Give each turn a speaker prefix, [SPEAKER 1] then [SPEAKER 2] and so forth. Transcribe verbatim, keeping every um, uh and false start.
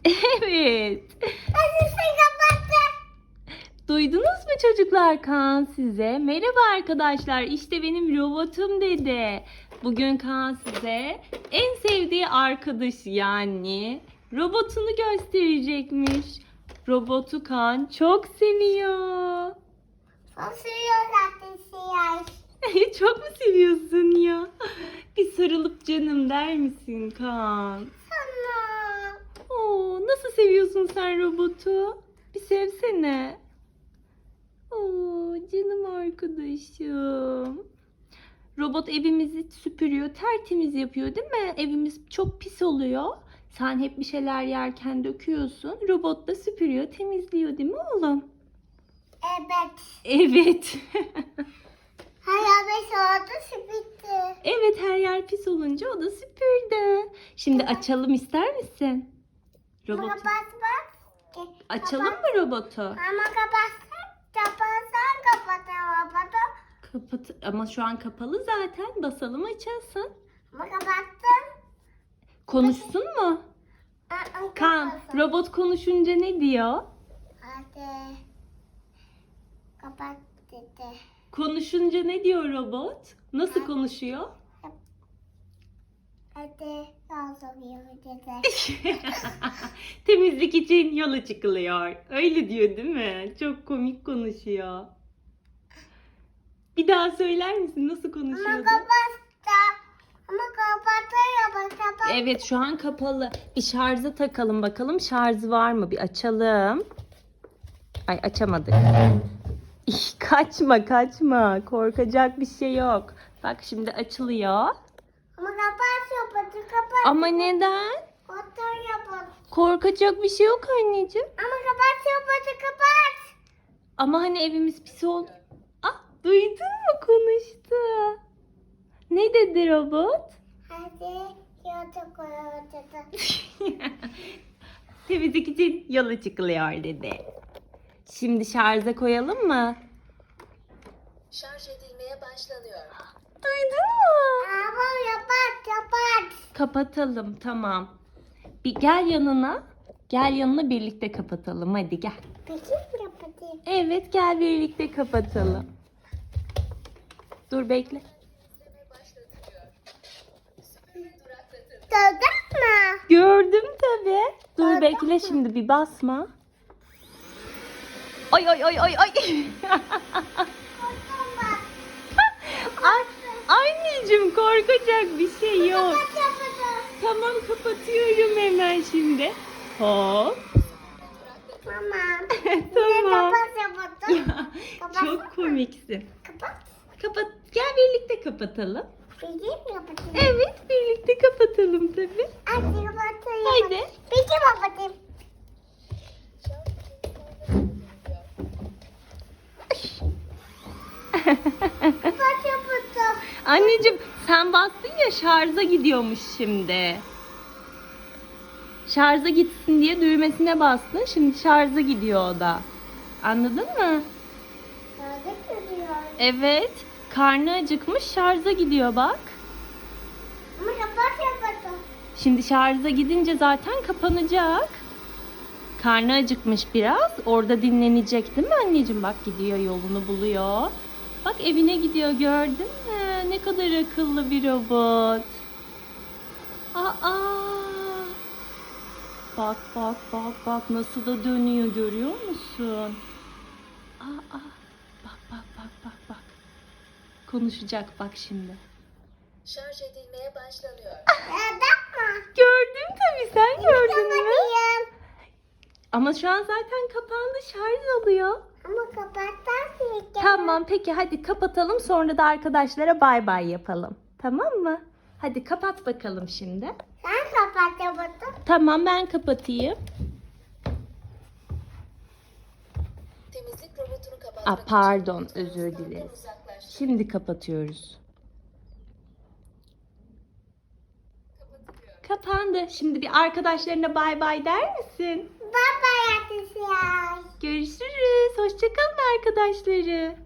[SPEAKER 1] Evet.
[SPEAKER 2] Nasıl kapattı?
[SPEAKER 1] Duydunuz mu çocuklar, Kaan size? Merhaba arkadaşlar, işte benim robotum dedi. Bugün Kaan size en sevdiği arkadaş yani robotunu gösterecekmiş. Robotu Kaan çok seviyor.
[SPEAKER 2] Sosuyor zaten siyah.
[SPEAKER 1] Çok mu seviyorsun ya? Bir sarılıp canım der misin Kaan?
[SPEAKER 2] Sana.
[SPEAKER 1] Oo, nasıl seviyorsun sen robotu? Bir sevsene. Oo, canım arkadaşım. Robot evimizi süpürüyor, tertemiz yapıyor değil mi? Evimiz çok pis oluyor. Sen hep bir şeyler yerken döküyorsun. Robot da süpürüyor, temizliyor değil mi oğlum?
[SPEAKER 2] Evet.
[SPEAKER 1] Evet.
[SPEAKER 2] Hayal beş oldu süpürdü.
[SPEAKER 1] Evet, her yer pis olunca o da süpürdü. Şimdi açalım ister misin?
[SPEAKER 2] Ama
[SPEAKER 1] Robotu.
[SPEAKER 2] kapat bak.
[SPEAKER 1] Açalım
[SPEAKER 2] Kapat.
[SPEAKER 1] mı robotu?
[SPEAKER 2] Ama kapatsan, kapatsan kapat robotu.
[SPEAKER 1] Kapat ama şu an kapalı zaten. Basalım açılsın.
[SPEAKER 2] Ama kapattın.
[SPEAKER 1] Konuşsun mu?
[SPEAKER 2] Aa,
[SPEAKER 1] Kaan,
[SPEAKER 2] kapatsın.
[SPEAKER 1] robot konuşunca ne diyor?
[SPEAKER 2] Hadi. Kapat dedi.
[SPEAKER 1] Konuşunca ne diyor robot? Nasıl
[SPEAKER 2] Ha.
[SPEAKER 1] konuşuyor?
[SPEAKER 2] Hadi. Yazılıyor dedi.
[SPEAKER 1] Temizlik için yola çıkılıyor. Öyle diyor değil mi? Çok komik konuşuyor. Bir daha söyler misin? Nasıl
[SPEAKER 2] Ama
[SPEAKER 1] konuşuyordu?
[SPEAKER 2] kapattı. Ama kapatıyor bak kapat.
[SPEAKER 1] Evet, şu an kapalı. Bir şarja takalım bakalım. Şarjı var mı? Bir açalım. Ay, açamadık. İh, kaçma kaçma. Korkacak bir şey yok. Bak şimdi açılıyor.
[SPEAKER 2] Ama kapat yapatı kapat.
[SPEAKER 1] Ama neden?
[SPEAKER 2] Otur yapatı.
[SPEAKER 1] Korkacak bir şey yok anneciğim.
[SPEAKER 2] Ama kapat yapatı kapat.
[SPEAKER 1] Ama hani evimiz pis oldu. Ah, duydun mu, konuştu. Ne dedi robot?
[SPEAKER 2] Hadi yatağa koyalım dedi.
[SPEAKER 1] Temizlik için yola çıkılıyor dedi. Şimdi şarja koyalım mı?
[SPEAKER 3] Şarj edilmeye başlanıyor.
[SPEAKER 1] Duydun mu?
[SPEAKER 2] Ama yapat yapat.
[SPEAKER 1] Kapatalım, tamam. Bir gel yanına. Gel yanına, birlikte kapatalım. Hadi gel.
[SPEAKER 2] Peki mi yapatayım?
[SPEAKER 1] Evet, gel birlikte kapatalım. Dur bekle.
[SPEAKER 3] İzleme başlatılıyor. Süpürge duraklatın.
[SPEAKER 2] Gördün mü?
[SPEAKER 1] Gördüm tabii. Dur
[SPEAKER 2] Gördün
[SPEAKER 1] bekle
[SPEAKER 2] mü?
[SPEAKER 1] şimdi, bir basma. Ay ay ay ay ay. Ay, anneciğim, korkacak bir şey yok.
[SPEAKER 2] Kapat yapatı.
[SPEAKER 1] Tamam, kapatıyorum hemen şimdi. Hop.
[SPEAKER 2] Tamam.
[SPEAKER 1] Tamam.
[SPEAKER 2] Kapat yapatı. Kapat.
[SPEAKER 1] Çok komiksin.
[SPEAKER 2] Kapat.
[SPEAKER 1] Kapat. Gel birlikte kapatalım.
[SPEAKER 2] Peki mi yapatayım?
[SPEAKER 1] Evet, birlikte kapatalım tabii.
[SPEAKER 2] Hadi kapatayım.
[SPEAKER 1] Haydi.
[SPEAKER 2] Peki mi yapatayım? Kapat yapatı.
[SPEAKER 1] Anneciğim, sen bastın ya, şarja gidiyormuş şimdi. Şarja gitsin diye düğmesine bastın. Şimdi şarja gidiyor o da. Anladın mı?
[SPEAKER 2] Nerede görüyor?
[SPEAKER 1] Evet. Karnı acıkmış, şarja gidiyor bak.
[SPEAKER 2] Ama kapat yapatı.
[SPEAKER 1] Şimdi şarja gidince zaten kapanacak. Karnı acıkmış biraz. Orada dinlenecek değil mi anneciğim? Bak, gidiyor, yolunu buluyor. Bak, evine gidiyor, gördün mü? Ne kadar akıllı bir robot. Aa! Bak bak bak bak, nasıl da dönüyor, görüyor musun? Aa! Bak bak bak bak bak. Konuşacak bak şimdi.
[SPEAKER 3] Şarj edilmeye başlanıyor.
[SPEAKER 2] Nerede mi?
[SPEAKER 1] Gördüm tabii, sen gördün mü?
[SPEAKER 2] Kapatayım.
[SPEAKER 1] Ama şu an zaten kapandı, şarj alıyor.
[SPEAKER 2] Ama kapattan mı?
[SPEAKER 1] Tamam, peki hadi kapatalım, sonra da arkadaşlara bay bay yapalım. Tamam mı? Hadi kapat bakalım şimdi.
[SPEAKER 2] Sen kapat yapatı.
[SPEAKER 1] Tamam, ben kapatayım.
[SPEAKER 3] Temizlik robotunu kapatmak
[SPEAKER 1] Aa, pardon,
[SPEAKER 3] için
[SPEAKER 1] özür
[SPEAKER 3] kontrol
[SPEAKER 1] dileriz.
[SPEAKER 3] uzaklaş.
[SPEAKER 1] Şimdi kapatıyoruz.
[SPEAKER 3] Kapatılıyor.
[SPEAKER 1] Kapandı. Şimdi bir arkadaşlarına bay bay der misin?
[SPEAKER 2] Baba yaptı siyah.
[SPEAKER 1] Görüşürüz. Hoşça kalın arkadaşları.